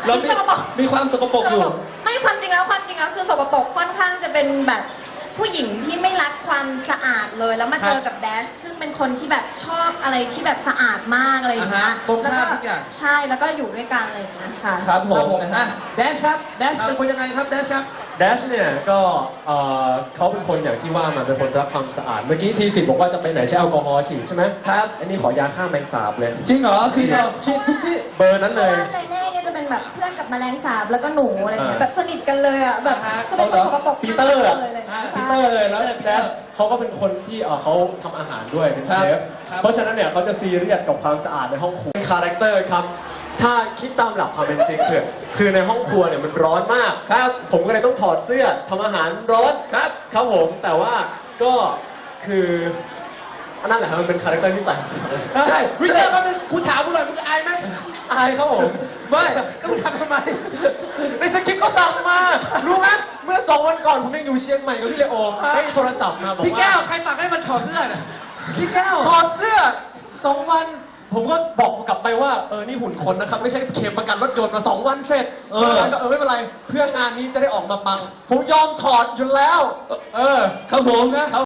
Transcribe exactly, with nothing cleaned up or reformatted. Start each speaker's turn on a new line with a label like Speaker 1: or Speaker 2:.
Speaker 1: เรามีมีความสกปรกอยู่
Speaker 2: ไม่ความจริงแล้วความจริงแล้วคือสกปรกค่อนข้างจะเป็นแบบผู้หญิงที่ไม่รักความสะอาดเลยแล้วมาเจอกับแดชซึ่งเป็นคนที่แบบชอบอะไรที่แบบสะอาดมากอะไรอย่างเงี้ย
Speaker 1: แล้วก็
Speaker 2: ใช่แล้วก็อยู่ด้วยกันอะไรอย่างเงี้ยค่ะ
Speaker 1: ครับผมนะแดชครับแดชเป็นคนยังไงครับแดชครับ
Speaker 3: แดชเนี่ยก็เอ่อเขาเป็นคนอย่างที่ว่ามาเป็นคนรักความสะอาดเมื่อกี้ทีสิบบอกว่าจะไปไหนใช้แอลกอฮอล์ฉีดใช่ไหม
Speaker 1: ครับ
Speaker 3: อันนี้ขอยาฆ่าแมงสาบเลย
Speaker 1: จริงเหรอคือเราฉีดทุกที่
Speaker 3: เบอร์นั้นเลย
Speaker 2: เลเน่เนี่ยจะเป็นแบบเพื่อนกับแมลงสาบแล้วก็หนูอะไรเงี้ยแบบสนิทกันเลยอ่ะแบบก็เป็นคนสกปรก
Speaker 3: ปีเตอร์อะ
Speaker 2: เลย
Speaker 3: ปีเตอร์เลยแล้วแดชเขาก็เป็นคนที่เอ่อเขาทำอาหารด้วยเป็นเชฟเพราะฉะนั้นเนี่ยเขาจะซีเรียสกับความสะอาดในห้องครัวเป็นคาแรคเตอร์ครับถ้าคิดตามหลักความเป็นจริงคือคือในห้องครัวเนี่ยมันร้อนมากครับผมก็เลยต้องถอดเสื้อทำอาหารร้อนครับครับผมแต่ว่าก็คืออันนั้นแหละครับมันเป็นคาแรคเตอร์ที่ใส่
Speaker 1: ใช่วิเตอร์ก็เป็นคุณถามกูหน่อยมึงอายไหม
Speaker 3: อายครับผม
Speaker 1: ไม่แล้วมึงทำทำไม
Speaker 3: ในสคริปต์ก็สั่งมารู้ไหมเมื่อสองวันก่อนผมยังอยู่เชียงใหม่กับพี่เลโอได้โทรศัพท์มาบอกว่า
Speaker 1: พี่แก้วใครสั่งให้มันถอดเสื้อน่ะพี่แก้ว
Speaker 3: ถอดเสื้อสองวันผมก็บอกกลับไปว่าเออนี่หุ่นคนนะครับไม่ใช่เคลมประกันรถยนต์มาสองวันเสร็จเออก็เออไม่เป็นไรเพื่องานนี้จะได้ออกมาปังผมยอมถอดอยู่แล้วเออ
Speaker 1: ครับผมนะ